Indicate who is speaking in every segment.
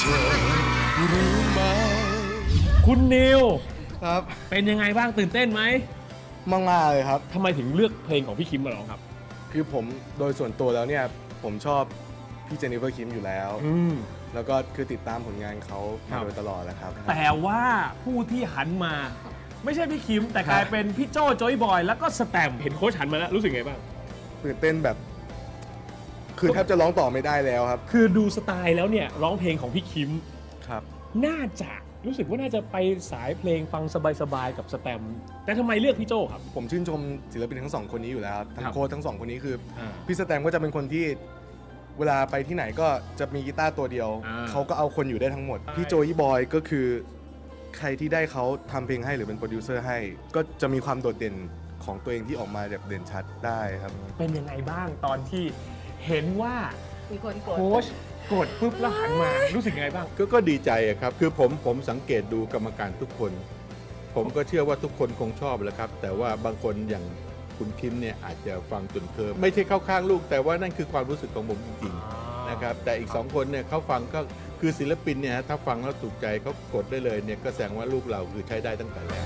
Speaker 1: ธอรู้ไหม
Speaker 2: คุณนิว
Speaker 3: ครับ
Speaker 2: เป็นยังไงบ้างตื่นเต้นไหม
Speaker 3: มากเลยครับ
Speaker 2: ทำไมถึงเลือกเพลงของพี่คิมมาร้องครับ
Speaker 3: คือผมโดยส่วนตัวแล้วเนี่ยผมชอบพี่เจนนิเฟอร์คิมอยู่แล้วแล้วก็คือติดตามผลงานเขามาโดยตลอดแหละครับ
Speaker 2: แต่ว่าผู้ที่หันมาไม่ใช่พี่คิมแต่กลายเป็นพี่โจ้จอยบอยแล้วก็สแตมเห็นโค้ชหันมาแล้วรู้สึกไงบ้าง
Speaker 3: ตื่นเต้นแบบคือแทบจะร้องต่อไม่ได้แล้วครับ
Speaker 2: คือดูสไตล์แล้วเนี่ยร้องเพลงของพี่คิม
Speaker 3: ครับ
Speaker 2: น่าจะรู้สึกว่าน่าจะไปสายเพลงฟังสบายๆกับสแตมแต่ทำไมเลือกพี่โจ้ครับ
Speaker 3: ผมชื่นชมศิลปินทั้งสองคนนี้อยู่แล้วทั้งโค้ชทั้งสองคนนี้คือพี่สแตมก็จะเป็นคนที่เวลาไปที่ไหนก็จะมีกีตาร์ตัวเดียวเขาก็เอาคนอยู่ได้ทั้งหมดพี่โจยี่บอยก็คือใครที่ได้เขาทำเพลงให้หรือเป็นโปรดิวเซอร์ให้ก็จะมีความโดดเด่นของตัวเองที่ออกมาแบบเด่นชัดได้ครับ
Speaker 2: เป็นยังไงบ้างตอนที่เห็นว่าโค้ชกดปุ๊บแล้วหันมารู้สึกยังไงบ้าง
Speaker 4: ก็ดีใจครับคือผมสังเกตดูกรรมการทุกคนผมก็เชื่อว่าทุกคนคงชอบแหละครับแต่ว่าบางคนอย่างคุณคิมเนี่ยอาจจะฟังจนเคิร์มไม่ใช่เข้าข้างลูกแต่ว่านั่นคือความรู้สึกของผมจริงๆนะครับแต่อีก2คนเนี่ยเขาฟังก็คือศิลปินเนี่ยถ้าฟังแล้วถูกใจเขากดได้เลยเนี่ยก็แสดงว่าลูกเราคือใช้ได้ตั้งแต่แรก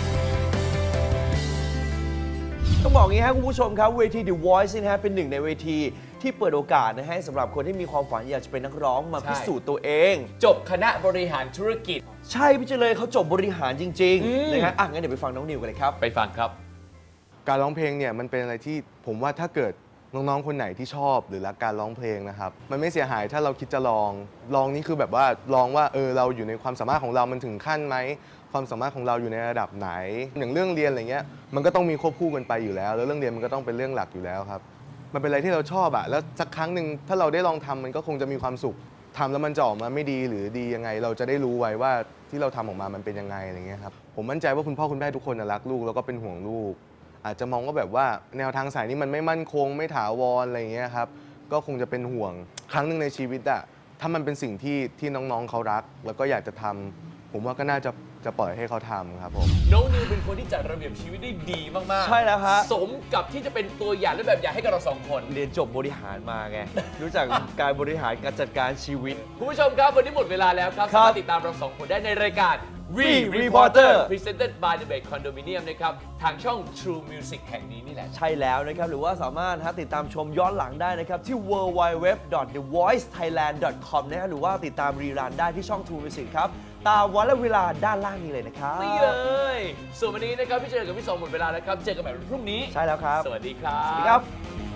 Speaker 5: ต้องบอกงี้ครับคุณผู้ชมครับเวที The Voice นะฮะเป็นหนึ่งในเวทีที่เปิดโอกาสนะให้สำหรับคนที่มีความฝันอยากจะเป็นนักร้องมาพิสูจน์ตัวเอง
Speaker 6: จบคณะบริหารธุรกิจ
Speaker 5: ใช่พี่เจริญเขาจบบริหารจริงๆนะฮะงั้นเดี๋ยวไปฟังน้องนิวกันเลยครับ
Speaker 6: ไปฟังครับ
Speaker 3: การร้องเพลงเนี่ยมันเป็นอะไรที่ผมว่าถ้าเกิดน้องๆคนไหนที่ชอบหรือรักการร้องเพลงนะครับมันไม่เสียหายถ้าเราคิดจะลองนี่คือแบบว่าลองว่าเราอยู่ในความสามารถของเรามันถึงขั้นไหมความสามารถของเราอยู่ในระดับไหนอย่างเรื่องเรียนอะไรเงี้ยมันก็ต้องมีควบคู่กันไปอยู่แล้วแล้วเรื่องเรียนมันก็ต้องเป็นเรื่องหลักอยู่แล้วครับมันเป็นอะไรที่เราชอบอะแล้วสักครั้งหนึ่งถ้าเราได้ลองทำมันก็คงจะมีความสุขทำแล้วมันจะออกมาไม่ดีหรือดียังไงเราจะได้รู้ไว้ว่าที่เราทำออกมามันเป็นยังไงอะไรเงี้ยครับผมมั่นใจว่าคุณพ่อคุณแม่ทุกคนรักลูกแล้วก็เป็นห่วงลูกอาจจะมองว่าแบบว่าแนวทางสายนี้มันไม่มั่นคงไม่ถาวรอะไรเงี้ยครับก็คงจะเป็นห่วงครั้งหนึ่งในชีวิตอะถ้ามันเป็นสิ่งที่น้องๆเขารักแล้วก็อยากจะทำผมว่าก็น่าจะปล่อยให้เขาทำครับผม
Speaker 6: น้องนิวเป็นคนที่จัดระเบียบชีวิตได้ดีมากๆ
Speaker 5: ใช่แล้วครับ
Speaker 6: สมกับที่จะเป็นตัวอย่างและแบบอย่างให้กับเรา2คน
Speaker 5: เรียนจบบริหารมาไงรู้จักการบริหารการจัดการชีวิต
Speaker 6: คุณผู้ชมครับวันนี้หมดเวลาแล้วครับสามารถติดตามเรา2คนได้ในรายการ We Reporter Presented by The Bay Condominium นะครับทางช่อง True Music แห่งนี้นี่แหละ
Speaker 5: ใช่แล้วนะครับหรือว่าสามารถติดตามชมย้อนหลังได้นะครับที่ www.thevoicethailand.com นะฮะหรือว่าติดตามรีรันได้ที่ช่อง True Music ครับตามวันและเวลาด้านล่างนี้เลยนะครับ
Speaker 6: นี่เลยส่วนวันนี้นะครับพี่เจอกับพี่สองหมดเวลาแล้วครับเจอกันใหม่วันพรุ่งนี้
Speaker 5: ใช่แล้วครับ
Speaker 6: สวัสดีครับ
Speaker 5: สวัสดีครับ